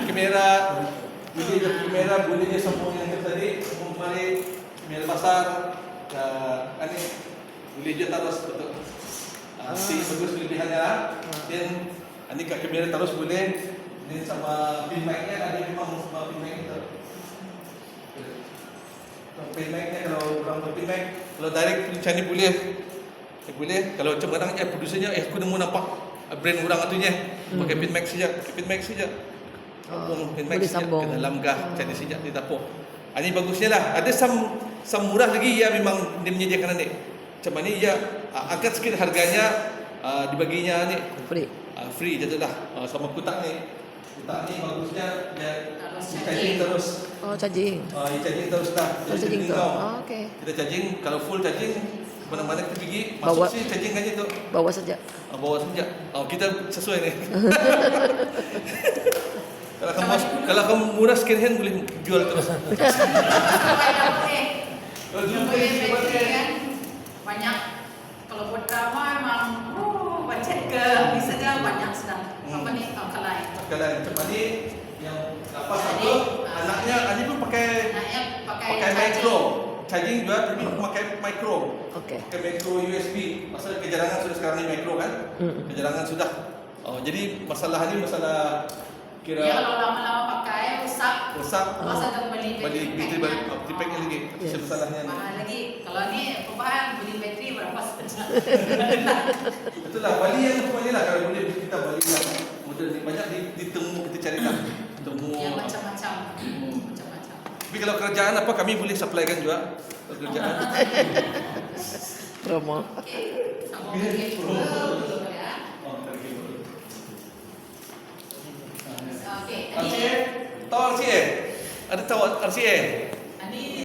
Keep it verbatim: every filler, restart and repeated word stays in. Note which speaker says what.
Speaker 1: kamera, boleh dia kamera, boleh dia sambung yang tadi, sambung balik, kamera besar, uh, ini boleh dia terus betul. Uh, si bagus kelebihannya, dan ini kat kamera terus boleh, dan sama pin mic-nya ada memang sama pin mic itu. Pin mic-nya kalau orang pin mic, kalau direct macam ni boleh, eh, boleh. Kalau macam orang eh producernya, eh aku nemu nampak brand orang atunya, pakai pin mic saja, pakai pin mic saja.
Speaker 2: Oh,
Speaker 1: Pin mic
Speaker 2: boleh
Speaker 1: saja
Speaker 2: sambung.
Speaker 1: ke dalam gah, macam ni saja di dapur. Ah, ini bagusnya lah. Ada sam sam murah lagi ya memang dia menyediakan ni. Macam ni ya uh, angkat sikit harganya, uh, dibaginya ni
Speaker 2: Free.
Speaker 1: uh, free je tu dah. Uh, sama kotak ni. Kotak ni bagusnya dia
Speaker 3: Terus
Speaker 1: charging terus.
Speaker 2: Oh, charging.
Speaker 1: Uh, charging terus dah.
Speaker 2: Oh, charging tu. Oh, okey.
Speaker 1: Kita charging, kalau full charging mana-mana kita pergi, masuk
Speaker 2: Bawa.
Speaker 1: sini charging kan tu.
Speaker 2: Bawa saja.
Speaker 1: Uh, bawa saja. Oh, kita sesuai ni. Kalau kamu kalau kamu murah second hand boleh jual terus. Kalau jual
Speaker 3: Boleh
Speaker 1: terus
Speaker 3: bateri kan banyak. Kalau buat drama memang oh, budget ke bisa dia banyak sedang. Apa ni kalai.
Speaker 1: Kalau macam ni yang lepas
Speaker 3: Jadi,
Speaker 1: apa anaknya Ani pun pakai
Speaker 3: Anaknya pakai
Speaker 1: pakai
Speaker 3: charging.
Speaker 1: micro charging juga tapi pakai micro.
Speaker 2: Okey.
Speaker 1: Pakai micro U S B. Pasal kejarangan sudah sekarang ni micro kan?
Speaker 2: Mm.
Speaker 1: Kejarangan sudah. Oh, jadi masalah ni masalah kira
Speaker 3: Dia kalau lama-lama pakai rusak.
Speaker 1: rosak.
Speaker 3: Masa dah beli
Speaker 1: Beli bateri
Speaker 3: packnya.
Speaker 1: baru, bateri packnya lagi.
Speaker 2: Yes.
Speaker 1: Yes. Masalahnya ni.
Speaker 3: Mahal lagi. Kalau ni perubahan beli bateri berapa saja.
Speaker 1: Betul lah, Bali yang semua ni lah kalau boleh kita Bali yang model ni banyak ditemu kita cari lah. Temu.
Speaker 3: Yang macam-macam.
Speaker 1: Hmm.
Speaker 3: Macam-macam.
Speaker 1: Tapi kalau kerajaan apa kami boleh supplykan juga. Kalau kerajaan.
Speaker 2: Promo.
Speaker 3: Okey. Sambung lagi dulu ya.
Speaker 1: Oh, terkait.
Speaker 3: Okey.
Speaker 1: R C A?
Speaker 3: Ini
Speaker 1: Tahu R C A? Ada tahu R C A?